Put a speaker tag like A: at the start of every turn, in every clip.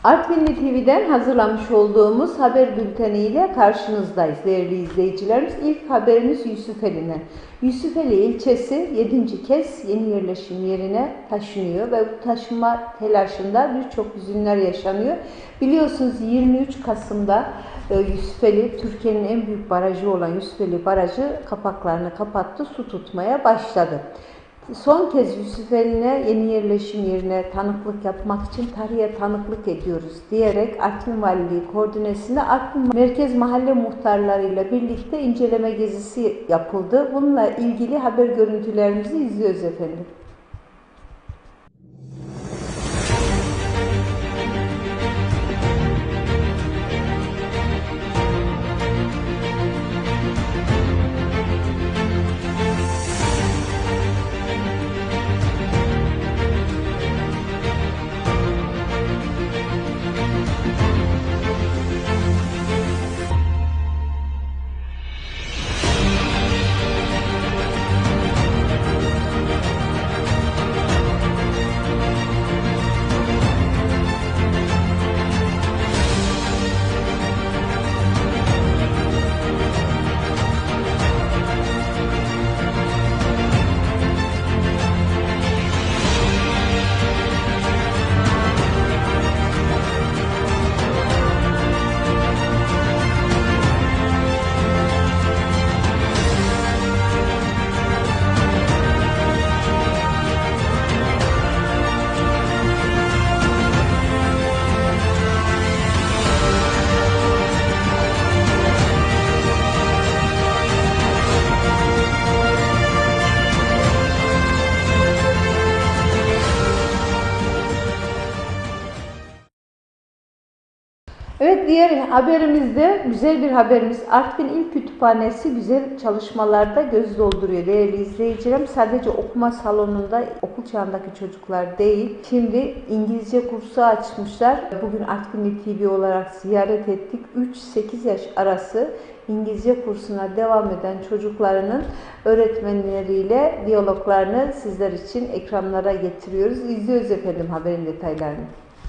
A: Artvinli TV'den hazırlamış olduğumuz haber bülteniyle karşınızdayız değerli izleyicilerimiz. İlk haberimiz Yusufeli'den. Yusufeli ilçesi 7. kez yeni yerleşim yerine taşınıyor ve bu taşınma telaşında birçok hüzünler yaşanıyor. Biliyorsunuz 23 Kasım'da Yusufeli, Türkiye'nin en büyük barajı olan Yusufeli Barajı kapaklarını kapattı, su tutmaya başladı. Son kez Yusufeli'ne yeni yerleşim yerine tanıklık yapmak için tarihe tanıklık ediyoruz diyerek Artvin Valiliği koordinesinde Artvin Merkez Mahalle muhtarlarıyla birlikte inceleme gezisi yapıldı. Bununla ilgili haber görüntülerimizi izliyoruz efendim. Evet, diğer haberimizde güzel bir haberimiz. Artvin İl Kütüphanesi güzel çalışmalarda göz dolduruyor değerli izleyicilerim. Sadece okuma salonunda okul çağındaki çocuklar değil, şimdi İngilizce kursu açmışlar. Bugün Artvinli TV olarak ziyaret ettik. 3-8 yaş arası İngilizce kursuna devam eden çocuklarının öğretmenleriyle diyaloglarını sizler için ekranlara getiriyoruz. İzliyoruz efendim haberin detaylarını.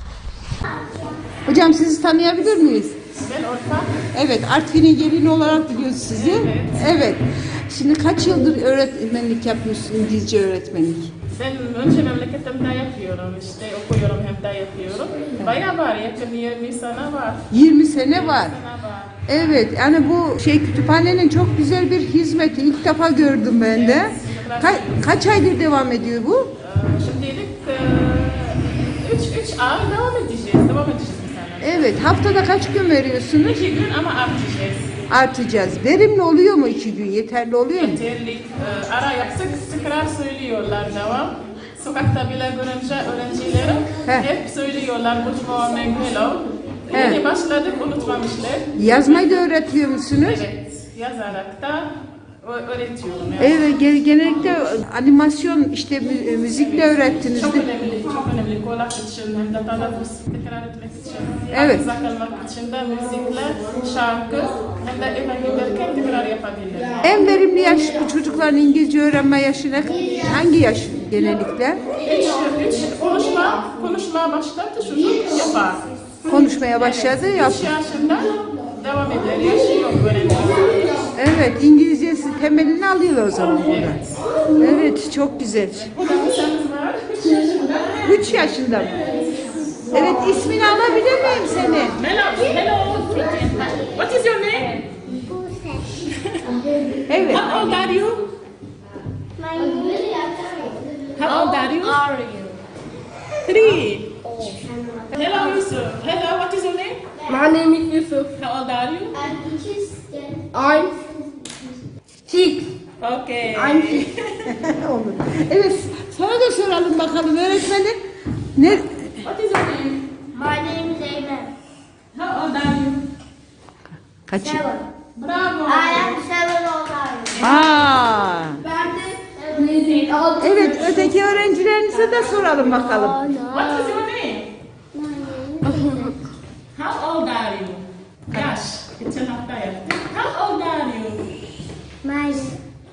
A: Hocam sizi tanıyabilir miyiz?
B: Ben Orta.
A: Evet, Artvin'in gelini olarak biliyoruz sizi. Evet. Şimdi kaç yıldır öğretmenlik yapıyorsun, İngilizce öğretmenlik?
B: Ben önce memleketimde yapıyorum, işte okuyorum hem de yapıyorum. Bayağı var, yakın 20 sene var.
A: 20 sene var.
B: 20 sene var.
A: Evet, yani bu kütüphanenin çok güzel bir hizmeti. İlk defa gördüm ben de. Kaç aydır devam ediyor bu?
B: Şimdilik 3 ay devam edeceğiz bu sene.
A: Evet, haftada kaç gün veriyorsunuz?
B: 2 gün ama artacağız.
A: Artacağız. Verimli oluyor mu 2 gün? Yeterli oluyor mu?
B: Yeterli. Ara yapsak tekrar söylüyorlar devam. Sokakta bile görünce öğrencilerim hep söylüyorlar good morning, hello. Yeni başladık, unutmamışlar.
A: Yazmayı da öğretiyor musunuz?
B: Evet, yazarak da öğretiyorum. Yani.
A: Evet, genellikle animasyon, işte müzikle öğrettiniz
B: Çok
A: değil mi?
B: önemli, çok önemli. Kulak için hem de telaffuz tekrar etmek için.
A: Evet.
B: Hafıza kalmak için de müzikle, şarkı hem de eve giderken tekrar yapabilir.
A: En verimli yaş bu çocukların İngilizce öğrenme yaşına hangi yaş genellikle?
B: Konuşmaya başladı çocuk yapar.
A: Konuşmaya başladı,
B: 3 yaşında devam eder, yaşı yok öğrenme.
A: Evet, İngilizcesi temelini alıyor o zaman burada. Evet, çok güzel.
B: Burada bir şans var, 3 yaşında.
A: 3 yaşında mı? Evet, ismini alabilir miyim seni?
B: Hello. What is your name?
A: Evet.
B: How old are you?
C: My name is
B: How old are you? 3. Hello Yusuf. Hello, what is your name?
C: My name is Yusuf.
B: How old are you?
C: I'm 6.
B: Okay.
C: I'm 6.
A: Olur. Evet, sana da soralım bakalım öğretmenim. Ne?
B: What is your name?
C: My name is Amen.
B: How old are you?
A: Kaç?
C: 7.
B: Bravo.
C: I am 7 old old.
A: Aa.
C: Ben de 6.
A: Evet, öteki öğrencilerinize de soralım bakalım.
B: What is your name? How old are you? Yaş. Geçen hafta yaptık. How old are you?
C: My
B: 6.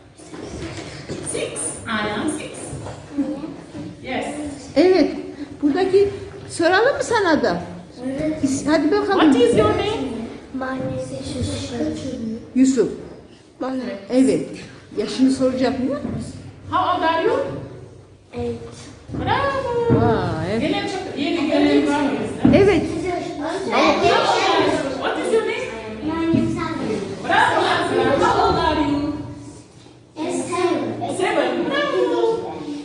B: I am 6. Yes.
A: Evet, buradaki soralım mı sana da? Hadi bakalım.
B: What is your name?
C: My name is Yusuf.
A: Yusuf.
C: Bana.
A: Evet. Yaşını soracak mı?
B: How old are you?
C: 8.
B: Bravo.
A: Vay.
B: Gelen çok yeni gelen var mı?
A: Evet.
B: What is your name?
C: My name is Sally.
B: Bravo. How old are you?
C: It's 7.
B: 7. Bravo.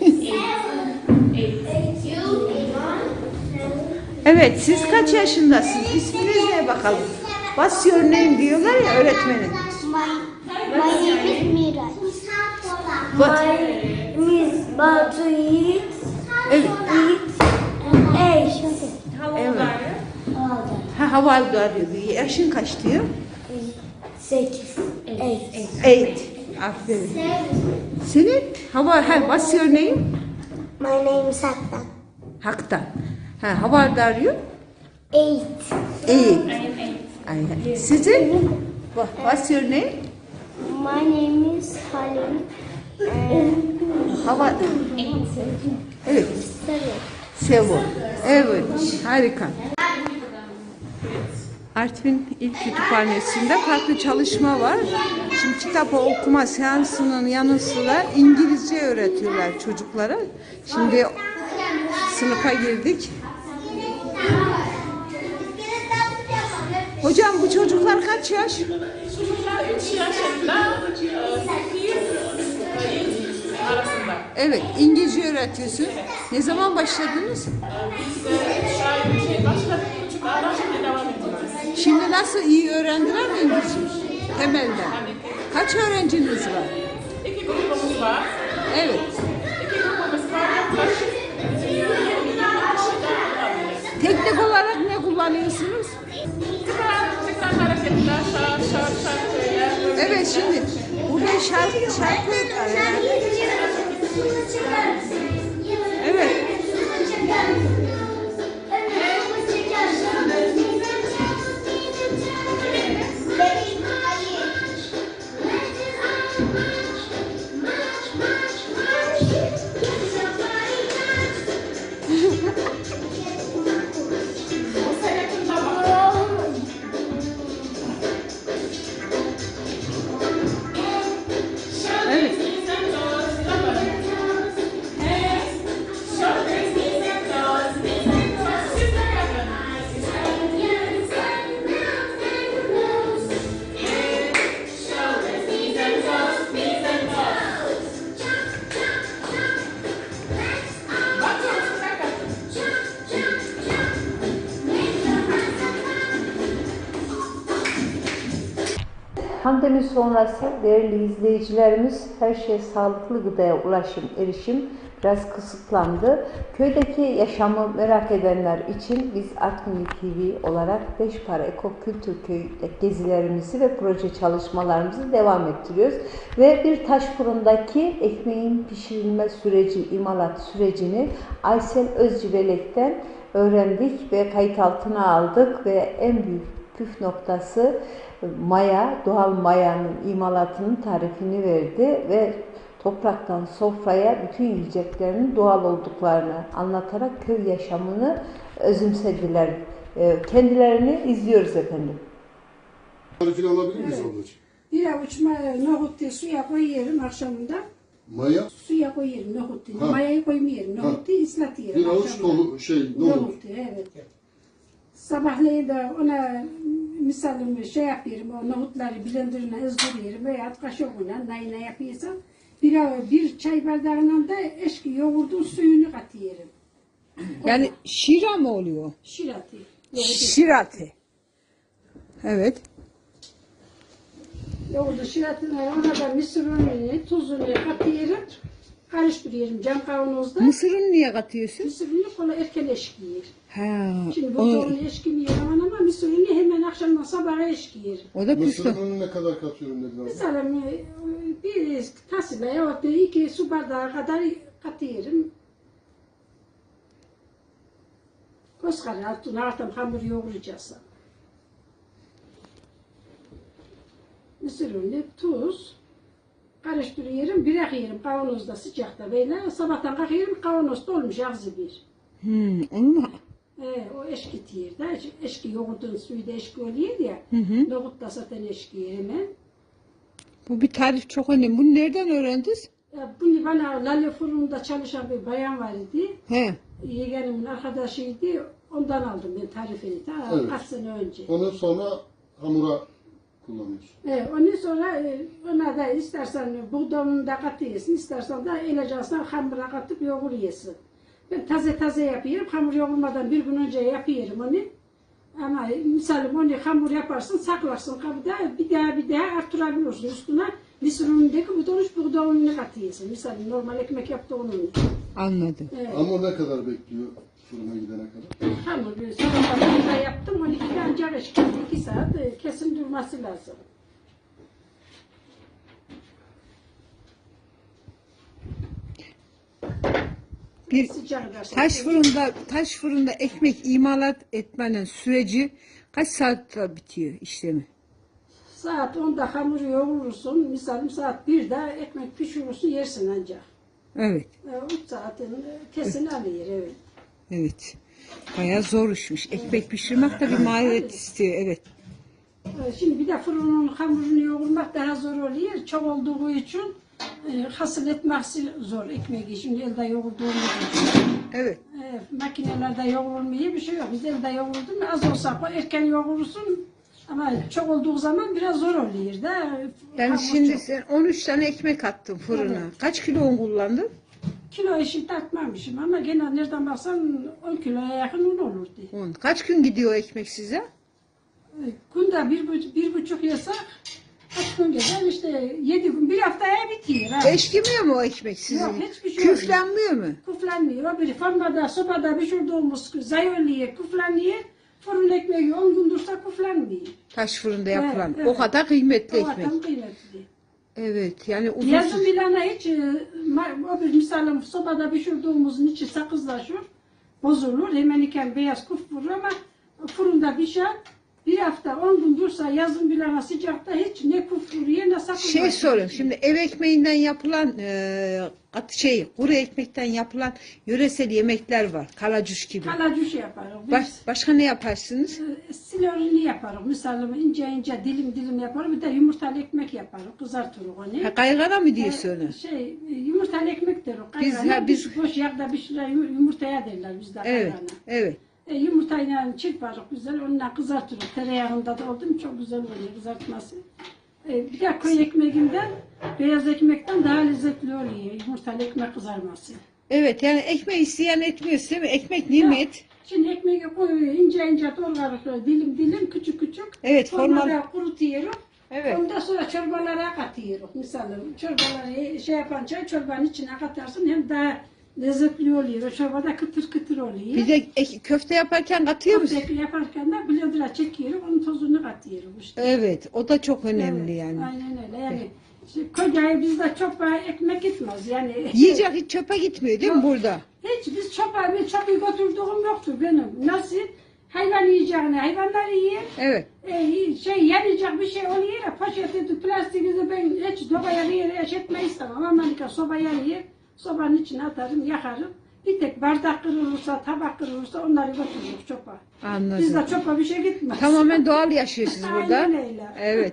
B: 8.
C: You?
A: Evet, siz kaç yaşındasınız? İsminiz ne bakalım? What's your name diyorlar ya öğretmenin.
C: My name is Miraç.
A: What?
C: My name is Batu Yiğit.
A: Evet.
C: Hey.
A: Evet. Ha, havalı diyor. Yaşın kaç diyor?
C: 8. 8.
A: 8. Aferin. Senin? What's your name?
C: My name is Haktan.
A: Haktan. Ha, how old are you?
C: 8.
A: 8. Ay, sizin? What's your name?
C: My name is Halim.
A: How old? Evet. 7. Evet, harika. Artvin İl Kütüphanesi'nde farklı çalışma var. Şimdi kitap okuma seansının yanı sıra İngilizce öğretiyorlar çocuklara. Şimdi sınıfa girdik. Hocam bu çocuklar kaç yaş?
B: Çocuklar 3 yaşında, 8 arasında.
A: Evet, İngilizce öğretiyorsun. Ne zaman başladınız?
B: Biz 3 ay başladık, 3 aydan şimdi devam ediyoruz.
A: Şimdi nasıl iyi öğrendiler mi İngilizce? Temelden. Kaç öğrenciniz var?
B: 2 grubumuz var.
A: Evet.
B: 2 grubumuz var. Yaklaşık 20 kişiden olabilir.
A: Teknik olarak ne kullanıyorsunuz?
B: Tekrar hareketler, şarkılar.
A: Evet, şimdi burada şarkı evet. Evet. Pandemi sonrası değerli izleyicilerimiz her şey sağlıklı gıdaya erişim biraz kısıtlandı. Köydeki yaşamı merak edenler için biz Artvin TV olarak Beşpara Ekokültür Köyü'nde gezilerimizi ve proje çalışmalarımızı devam ettiriyoruz. Ve bir taş fırındaki ekmeğin pişirilme süreci, imalat sürecini Aysel Özcivelek'ten öğrendik ve kayıt altına aldık ve en büyük püf noktası maya, doğal mayanın imalatının tarifini verdi ve topraktan sofraya bütün yiyeceklerinin doğal olduklarını anlatarak köy yaşamını özümsediler. Kendilerini izliyoruz efendim.
D: Tarifini alabilir miyiz ablacığım?
E: Bir avuç nohut suya koyuyorum akşamında.
D: Maya,
E: Suya koyuyorum nohut.
D: Ha.
E: Mayayı koymuyorum. Nohutu ıslatıyorum.
D: bir avuç
E: akşamında.
D: nohut.
E: Nohut, evet. Sabahleyin de ona misalim yapıyorum, o nohutları blenderına ızdırıyorum veya kaşıkla ne yapıyorsam bir çay bardağına da eski yoğurdun suyunu katıyorum.
A: Yani şira mı oluyor?
E: Şirati.
A: Şirati. Evet.
E: Yoğurdu şiratına ona da mısır ununu, tuzunu katıyorum. Karıştırıyorum cam kavanozda.
A: Mısırını niye katıyorsun?
E: Mısır unu kola erken eşkiyor.
A: Ha,
E: Şimdi bu onu eşkimiyor ama mısır unu hemen akşamdan sabaha eşkiyor.
A: o da
D: Mısır
A: püf.
D: ununu ne kadar katıyorum dedin abla?
E: Mesela bir tasla ya da 2 su bardağı kadar katıyorum. Koskara altına artık hamur yoğuracağız. Mısır unu, tuz, karıştırıyorum, bırakıyorum kavanozda sıcakta böyle. Sabahtan kalkıyorum kavanoz dolmuş ağzı bir.
A: Onu mu?
E: O eşki tiyir de. Eşki yoğurdun suyu da eşki oluyor ya. Nohut da zaten eşki hemen.
A: Bu bir tarif çok önemli. Bunu nereden öğrendiniz?
E: Bunu bana Lale Fırın'da çalışan bir bayan var idi.
A: He.
E: Yeğenimin arkadaşıydı. Ondan aldım ben tarifini. Ta
D: Evet.
E: kaç sene önce.
D: Onu sonra hamura kullanıyorsun.
E: Ondan sonra ona da istersen buğdayını da katıyorsun, istersen de elacasından hamura katıp yoğuruyorsun. Ben taze yapıyorum, hamur yoğurmadan bir gün önce yapıyorum onu. Ama misalim onu hamur yaparsın, saklarsın kabda, bir daha artırabiliyorsun üstüne. Mısır unundaki buğday ununu katıyorsun. Misalim normal ekmek yaptığın unu.
A: Anladım.
D: Hamur ne kadar bekliyor fırına gidene kadar?
E: Hamur sabahlarında yaptım, 12'de ancak eşkili 2 saat kesin durması lazım.
A: Bir
E: Sıcak dersin.
A: taş fırında ekmek imalat etmenin süreci kaç saatte bitiyor işlemi?
E: Saat 10'da hamuru yoğurursun, misalim saat 1'de ekmek pişirirsin, yersin ancak.
A: Evet.
E: 3 saatin kesin alıyor, evet.
A: Evet. Bayağı zor işmiş. Ekmek pişirmek de bir maharet istiyor. Evet.
E: Şimdi bir de fırının hamurunu yoğurmak daha zor oluyor. Çok olduğu için hasıl etmesi zor ekmeği. Şimdi elde yoğurduğumuz için.
A: Evet.
E: Makinelerde yoğurulmuyor bir şey yok. Biz elde yoğurduk mu az olsa erken yoğurursun. Ama çok olduğu zaman biraz zor oluyor da.
A: Yani
E: hamur
A: şimdi
E: çok.
A: sen 13 tane ekmek attın fırına.
E: Evet.
A: Kaç kilo un kullandın?
E: Kilo eşit atmamışım ama gene nereden baksan 10 kiloya yakın un olurdu.
A: Un. Kaç gün gidiyor o ekmek size?
E: Günde bir buçuk yasak kaç gün gider işte 7 gün bir haftaya bitiyor. Ha.
A: Eşkimiyor mu o ekmek sizin?
E: Yok, hiçbir şey olmuyor.
A: Küflenmiyor mu?
E: Kuflanmıyor. Bir fırında sobada pişirdiğimiz zayıflıyor, kuflanıyor. Fırın ekmeği 10 gün dursa kuflanmıyor.
A: Taş fırında yapılan.
E: Evet.
A: O kadar kıymetli
E: O
A: ekmek.
E: adam kıymetli.
A: Evet. Yani uzun
E: Yazın bilana hiç o bir misalim sobada pişirdiğimizin içi sakızlaşır, bozulur. Hemen iken beyaz kuf vurur ama fırında pişer. Bir hafta 10 gün dursa yazın bilana sıcakta hiç ne kuf vuruyor ne sakızlaşır.
A: Şey sorayım. Şimdi ev ekmeğinden yapılan kuru ekmekten yapılan yöresel yemekler var. Kalacuş gibi.
E: Kalacuş yaparız. Biz
A: Başka ne yaparsınız?
E: silorunu yaparız. Misalim ince ince dilim yaparız. Bir de yumurtalı ekmek yaparız. Kızartırız onu.
A: Ha, kaygana mı diyorsun onu?
E: Yumurtalı ekmek deriz.
A: Biz-
E: Kaygana,
A: biz-
E: boş yağda pişiren yumurtaya derler bizde
A: Evet.
E: kaygana.
A: Evet.
E: Yumurtayla çırparız güzel, onunla kızartırız. Tereyağında da oldu mu çok güzel oluyor kızartması. Bir de köy ekmeğinden, beyaz ekmekten daha lezzetli oluyor yumurtalı ekmek kızarması.
A: Evet, yani ekmek isteyen etmiyorsun değil mi? Ekmek nimet.
E: Şimdi ekmeği koyuyor, ince doğrarız, dilim küçük.
A: Evet,
E: Formada kurutuyoruz.
A: Evet.
E: Ondan sonra çorbalara katıyoruz. Mesela çorbaları yapan çorbanın içine katarsın hem daha lezzetli oluyor. O çorbada kıtır oluyor.
A: Bir de köfte yaparken katıyor musun?
E: Köfte yaparken de blender'a çekiyorum, onun tozunu katıyorum işte.
A: Evet, o da çok önemli
E: Evet,
A: yani.
E: aynen öyle. Yani işte kocayı bizde çok ekmek gitmez yani.
A: Yiyecek hiç çöpe gitmiyor değil mi
E: Yok.
A: burada?
E: Hiç biz çöpü götürdüğüm yoktur benim. Nasıl? Hayvan yiyeceğine hayvanlar yiyor.
A: Evet.
E: Yanacak bir şey oluyor ya poşeti, plastiği ben hiç sobaya yere etmeyi istemem. Amerika soba yanıyor. Sobanın içine atarım, yakarım. Bir tek bardak kırılırsa, tabak kırılırsa onları götürürüz çöpe.
A: Anladım.
E: Bizde çöpe bir şey gitmez.
A: Tamamen doğal yaşıyorsunuz burada.
E: Aynen öyle.
A: Evet.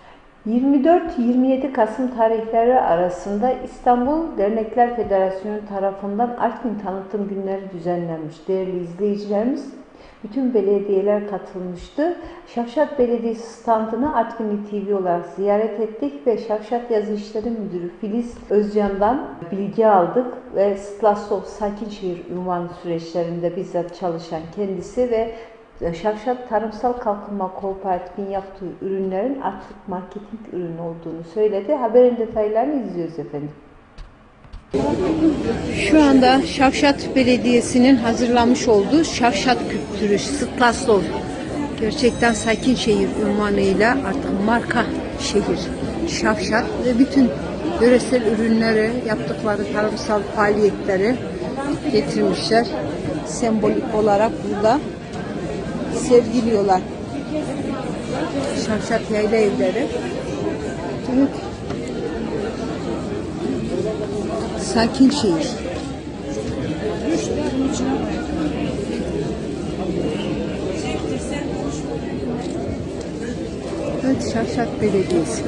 A: 24-27 Kasım tarihleri arasında İstanbul Dernekler Federasyonu tarafından Artvin Tanıtım Günleri düzenlenmiş. Değerli izleyicilerimiz, bütün belediyeler katılmıştı. Şavşat Belediyesi standını Artvinli TV olarak ziyaret ettik ve Şavşat Yazı İşleri Müdürü Filiz Özcan'dan bilgi aldık ve Stlasov Sakinşehir ünvanı süreçlerinde bizzat çalışan kendisi ve Şavşat Tarımsal Kalkınma Kooperatif'in yaptığı ürünlerin artık marketing ürünü olduğunu söyledi. Haberin detaylarını izliyoruz efendim. Şu anda Şavşat Belediyesi'nin hazırlamış olduğu Şavşat kültürü Stlasov gerçekten Sakinşehir ünvanıyla artık marka şehir Şavşat ve bütün yöresel ürünleri, yaptıkları tarımsal faaliyetleri getirmişler. Sembolik olarak burada sergiliyorlar. Şavşat yayla evleri. Evet. Sakinşehir. Evet, Şavşat Belediyesi.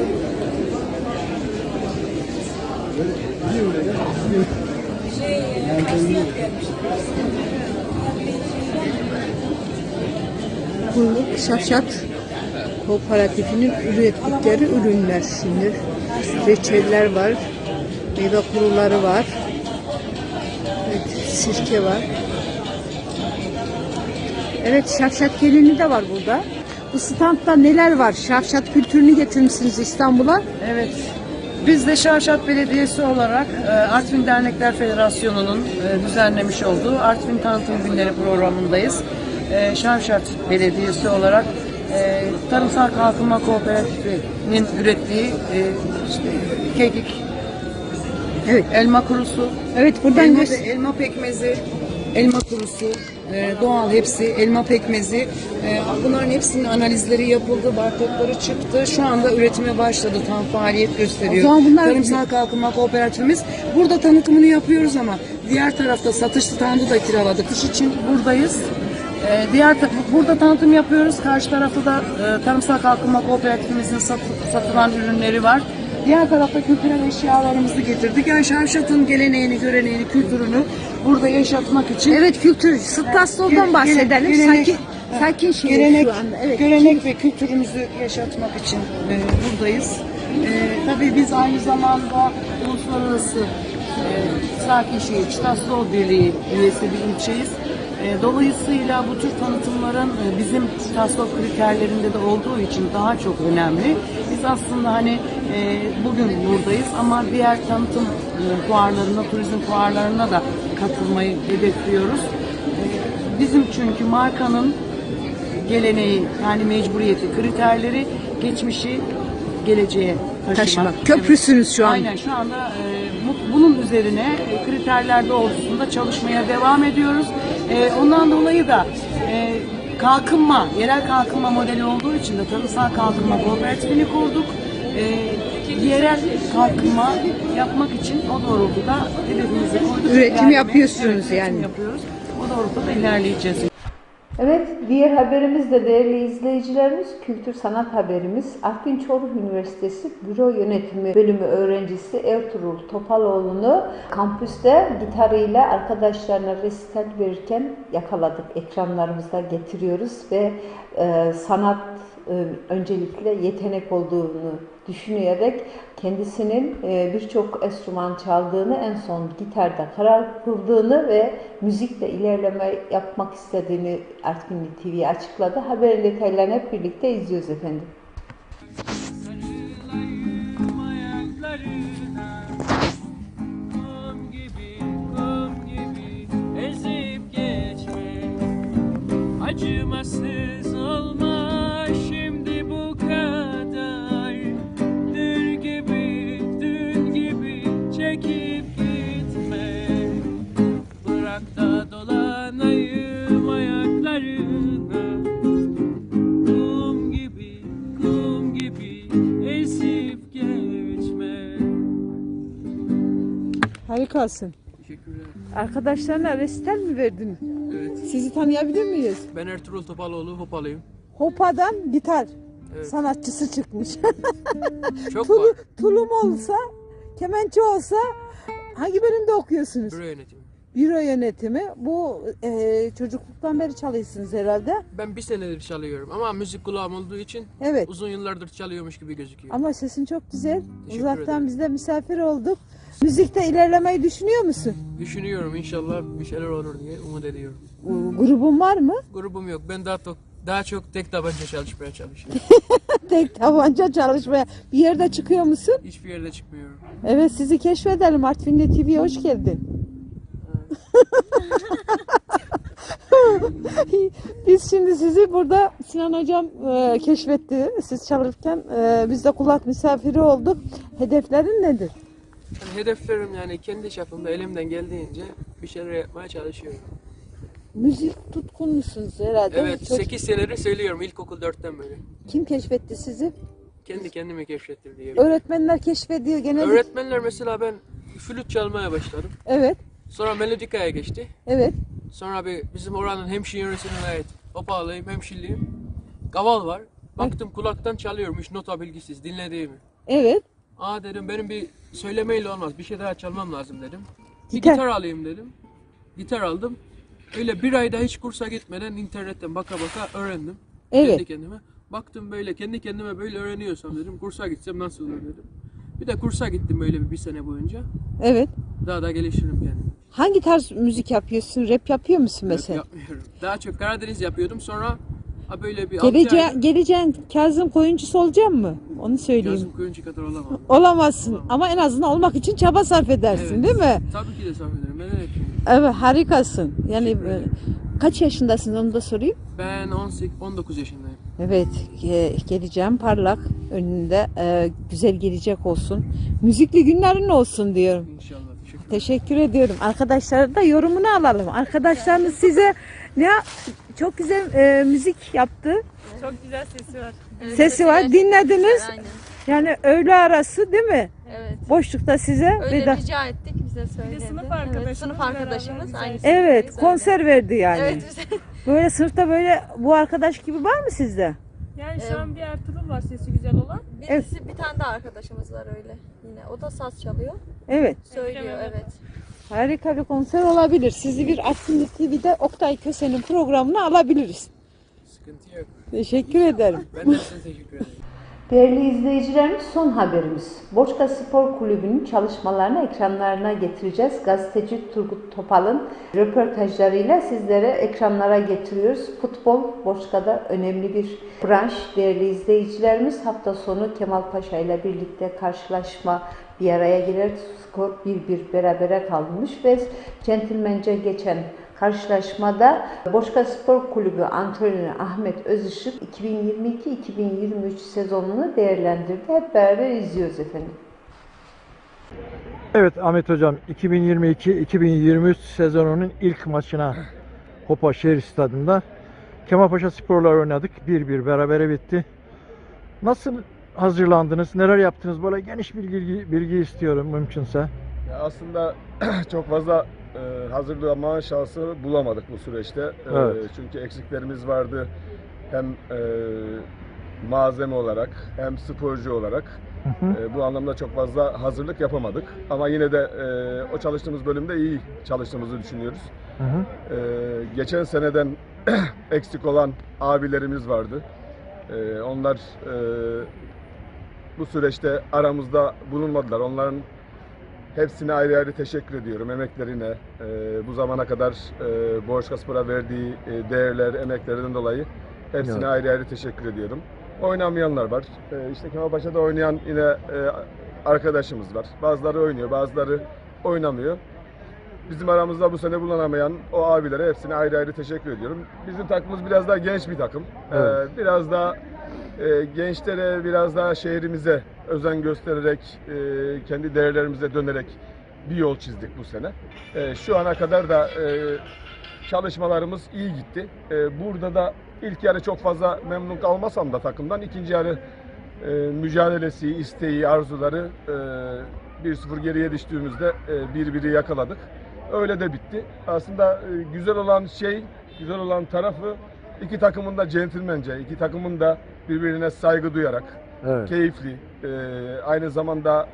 A: Bu Şavşat Kooperatifinin ürettikleri ürünler şimdi. Reçeller var, meyve kuruları var, evet, sirke var. Evet, Şavşat gelini de var burada. Bu standta neler var? Şavşat kültürünü getirmişsiniz İstanbul'a.
F: Evet. Biz de Şavşat Belediyesi olarak Artvin Dernekler Federasyonu'nun düzenlemiş olduğu Artvin Tanıtım Günleri programındayız. Şavşat Belediyesi olarak Tarımsal Kalkınma Kooperatifi'nin ürettiği işte kekik,
A: Evet.
F: elma kurusu,
A: Evet, buradan
F: elma pekmezi, elma kurusu, doğal hepsi, elma pekmezi. Bunların hepsinin analizleri yapıldı, barkodları çıktı. Şu anda üretime başladı, tam faaliyet gösteriyor.
A: O zaman bunlar-
F: Tarımsal Kalkınma Kooperatifimiz. Burada tanıtımını yapıyoruz ama diğer tarafta satış standı da kiraladık. İş için buradayız. Burada tanıtım yapıyoruz. Karşı tarafta da Tarımsal Kalkınma Kooperatifimizin satılan ürünleri var. Diğer tarafta kültürel eşyalarımızı getirdik. Yani Şavşat'ın geleneğini, göreneğini, kültürünü burada yaşatmak için.
A: Evet, kültür, Stassol'dan bahsedelim. Sakin şehir
F: Gelenek,
A: şu anda. Evet.
F: gelenek ve kültürümüzü yaşatmak için buradayız. Tabii biz aynı zamanda uluslararası Sakin Şehir Stassol Birliği üyesi bir ilçeyiz. Dolayısıyla bu tür tanıtımların bizim Stassol kriterlerinde de olduğu için daha çok önemli. Biz aslında hani bugün buradayız ama diğer tanıtım fuarlarına, turizm fuarlarına da katılmayı hedefliyoruz. Bizim çünkü markanın geleneği, yani mecburiyeti, kriterleri, geçmişi geleceğe taşımak.
A: Köprüsünüz şu an.
F: Aynen, şu anda bunun üzerine kriterler doğrultusunda çalışmaya devam ediyoruz. Ondan dolayı da kalkınma, yerel kalkınma modeli olduğu için de Tarımsal Kalkınma Kooperatifini kurduk. Yerel kalkınma yapmak için o doğrultuda hedefimizi koyduk.
A: Üretim yapıyorsunuz
F: üretim
A: yani.
F: yapıyoruz. O doğrultuda ilerleyeceğiz.
A: Evet, diğer haberimiz de değerli izleyicilerimiz, kültür sanat haberimiz. Artvin Çoruh Üniversitesi Büro Yönetimi Bölümü öğrencisi Ertuğrul Topaloğlu'nu kampüste gitarıyla arkadaşlarına resital verirken yakaladık. Ekranlarımıza getiriyoruz ve sanat öncelikle yetenek olduğunu düşünerek kendisinin birçok enstrüman çaldığını, en son gitarda karar kıldığını ve müzikle ilerleme yapmak istediğini Artvinli TV'ye açıkladı. Haberin detaylarını hep birlikte izliyoruz efendim.
G: Acımasız olma şimdi bu kadar. Dün gibi çekip gitme. Bırak da dolanayım ayaklarına. Kum gibi esip geçme.
A: Harikasın.
G: Teşekkürler.
A: Arkadaşlarına resital mi verdin?
G: Evet.
A: Sizi tanıyabilir miyiz?
G: Ben Ertuğrul Topaloğlu, Hopalıyım.
A: Hopa'dan gitar
G: Evet.
A: sanatçısı çıkmış.
G: Çok var.
A: Tulum olsa, kemençe olsa hangi bölümde okuyorsunuz?
G: Büro yönetimi.
A: Büro yönetimi. Bu çocukluktan beri çalıyorsunuz herhalde.
G: Ben bir senedir çalıyorum ama müzik kulağım olduğu için
A: Evet.
G: uzun yıllardır çalıyormuş gibi gözüküyor.
A: Ama sesin çok güzel.
G: Teşekkür
A: Uzaktan
G: ederim.
A: biz de misafir olduk. Müzikte ilerlemeyi düşünüyor musun?
G: Düşünüyorum, inşallah bir şeyler olur diye umut ediyorum.
A: Grubun var mı?
G: Grubum yok. Ben daha çok tek tabanca çalışmaya çalışıyorum.
A: Tek tabanca çalışmaya. Bir yerde çıkıyor musun?
G: Hiçbir yerde çıkmıyorum.
A: Evet, sizi keşfedelim. Artvinli TV'ye hoş geldin. Biz şimdi sizi burada Sinan Hocam keşfetti. Siz çalırken biz de kulak misafiri olduk. Hedeflerin nedir?
G: Yani hedeflerim, yani kendi çapımda elimden geldiğince bir şeyler yapmaya çalışıyorum.
A: Müzik tutkunlusunuz herhalde.
G: Evet,
A: Çok-
G: 8 senedir söylüyorum ilkokul 4'ten beri.
A: Kim keşfetti sizi?
G: Kendi kendime keşfettim diye.
A: Öğretmenler keşfediyor genelde.
G: Öğretmenler, mesela ben flüt çalmaya başladım.
A: Evet,
G: Sonra melodikaya geçti.
A: evet.
G: Sonra bizim oranın hemşire yöresine ait Opağlıyım, hemşirliyim. Kaval var. Baktım kulaktan çalıyormuş nota bilgisiz dinlediğimi.
A: Evet.
G: Aa dedim benim bir söylemeyle olmaz. Bir şey daha çalmam lazım dedim. Bir
A: Gitar.
G: gitar alayım dedim. Gitar aldım. Öyle bir ayda hiç kursa gitmeden internetten baka öğrendim.
A: Evet.
G: Kendi kendime. Baktım böyle kendi kendime böyle öğreniyorsam dedim. Kursa gitsem nasıl olur dedim. Bir de kursa gittim böyle bir sene boyunca.
A: Evet.
G: Daha da gelişirim yani.
A: Hangi tarz müzik yapıyorsun? Rap yapıyor musun
G: Rap
A: mesela?
G: yapmıyorum. Daha çok Karadeniz yapıyordum. Sonra böyle bir 6 ayda
A: Geleceğin Kazım Koyuncusu olacaksın mı? Onu söyleyeyim.
G: Kazım Koyuncu kadar olamam.
A: Olamazsın ama en azından olmak için çaba sarf edersin,
G: Evet.
A: değil mi?
G: Tabii ki de sarf ederim. Ben öyle yapıyorum.
A: Evet, harikasın. Yani
G: Teşekkür ederim.
A: kaç yaşındasın onu da sorayım.
G: Ben 19 yaşındayım.
A: Evet, geleceğim parlak önünde güzel gelecek olsun. Müzikli günlerin olsun diyorum.
G: İnşallah. Teşekkür ederim.
A: Teşekkür ediyorum. Arkadaşlar da yorumunu alalım. Arkadaşlarınız size çok güzel müzik yaptı.
H: Çok güzel sesi var.
A: Sesi var. Dinlediniz.
H: Aynen.
A: Yani öğle arası değil mi?
H: Evet.
A: Boşlukta size
H: Öyle rica ettik bize söyledi. sınıf arkadaşımız.
A: Evet,
H: sınıf arkadaşımız. Aynı
A: Evet,
H: sınıftayız,
A: konser verdi yani.
H: öyle. Evet bize.
A: Böyle sınıfta böyle bu arkadaş gibi var mı sizde?
H: Yani şu an bir Ertuğrul var sesi güzel olan. Birisi, bir tane daha arkadaşımız var öyle. Yine o da saz çalıyor.
A: Evet.
H: Söylüyor evet.
A: Harika bir konser olabilir. Sizi bir Artvin TV'de Oktay Köse'nin programına alabiliriz.
G: Sıkıntı yok.
A: Teşekkür ederim.
G: Ben de size teşekkür ederim.
A: Değerli izleyicilerimiz, son haberimiz. Boçka Spor Kulübü'nün çalışmalarını ekranlarına getireceğiz. Gazeteci Turgut Topal'ın röportajlarıyla sizlere ekranlara getiriyoruz. Futbol Boçka'da önemli bir branş. Değerli izleyicilerimiz, hafta sonu Kemal Paşa ile birlikte karşılaşma bir araya gelir. Skor 1-1 berabere kalmış ve centilmence geçen karşılaşmada Boçka Spor Kulübü antrenörü Ahmet Özışık 2022-2023 sezonunu değerlendirdi. Hep beraber izliyoruz efendim.
I: Evet Ahmet Hocam, 2022-2023 sezonunun ilk maçına Hopa Şehir Stadı'nda Kemalpaşa Spor'la oynadık. 1-1 berabere bitti. Nasıl hazırlandınız? Neler yaptınız? Böyle geniş bilgi istiyorum mümkünse.
J: Ya aslında çok fazla hazırlanma şansı bulamadık bu süreçte.
I: Evet.
J: Çünkü eksiklerimiz vardı. Hem malzeme olarak hem sporcu olarak. Bu anlamda çok fazla hazırlık yapamadık. Ama yine de o çalıştığımız bölümde iyi çalıştığımızı düşünüyoruz. Geçen seneden eksik olan abilerimiz vardı. Onlar bu süreçte aramızda bulunmadılar. Onların hepsine ayrı ayrı teşekkür ediyorum emeklerine. Bu zamana kadar Boçka Spor'a verdiği değerler, emeklerinden dolayı hepsine
I: Evet.
J: ayrı ayrı teşekkür ediyorum. Oynamayanlar var. İşte Kemalpaşa'da oynayan yine arkadaşımız var. Bazıları oynuyor, bazıları oynamıyor. Bizim aramızda bu sene bulunamayan o abilere hepsine ayrı ayrı teşekkür ediyorum. Bizim takımımız biraz daha genç bir takım.
I: Evet.
J: Biraz daha gençlere, biraz daha şehrimize özen göstererek, kendi değerlerimize dönerek bir yol çizdik bu sene. Şu ana kadar da çalışmalarımız iyi gitti. Burada da ilk yarı çok fazla memnun kalmasam da takımdan, ikinci yarı mücadelesi, isteği, arzuları 1-0 geriye düştüğümüzde 1-1'i yakaladık. Öyle de bitti. Aslında güzel olan tarafı iki takımın da centilmence, iki takımın da birbirine saygı duyarak,
I: Evet.
J: keyifli, aynı zamanda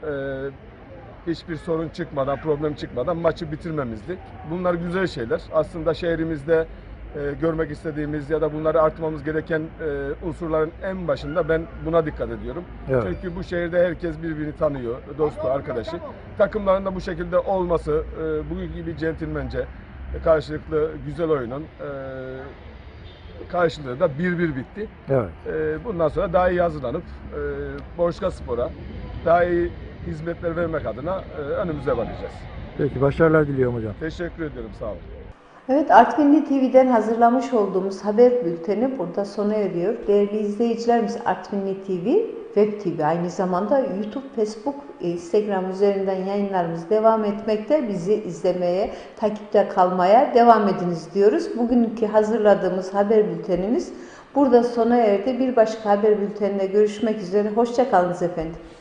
J: hiçbir sorun çıkmadan, problem çıkmadan maçı bitirmemizdi. Bunlar güzel şeyler. Aslında şehrimizde görmek istediğimiz ya da bunları arttırmamız gereken unsurların en başında ben buna dikkat ediyorum.
I: Evet.
J: Çünkü bu şehirde herkes birbirini tanıyor, dostu, arkadaşı. Takımların da bu şekilde olması, bugün gibi centilmence, karşılıklı güzel oyunun karşılığı da 1-1 bitti.
I: Evet.
J: Bundan sonra daha iyi hazırlanıp Boçka Spor'a daha iyi hizmetler vermek adına önümüze bakacağız.
I: Peki başarılar diliyorum hocam.
J: Teşekkür ediyorum, sağ olun.
A: Evet, Artvinli TV'den hazırlamış olduğumuz haber bülteni burada sona eriyor. Değerli izleyicilerimiz, Artvinli TV, Web TV, aynı zamanda YouTube, Facebook, Instagram üzerinden yayınlarımız devam etmekte. Bizi izlemeye, takipte kalmaya devam ediniz diyoruz. Bugünkü hazırladığımız haber bültenimiz burada sona erdi. Bir başka haber bülteninde görüşmek üzere. Hoşça kalınız efendim.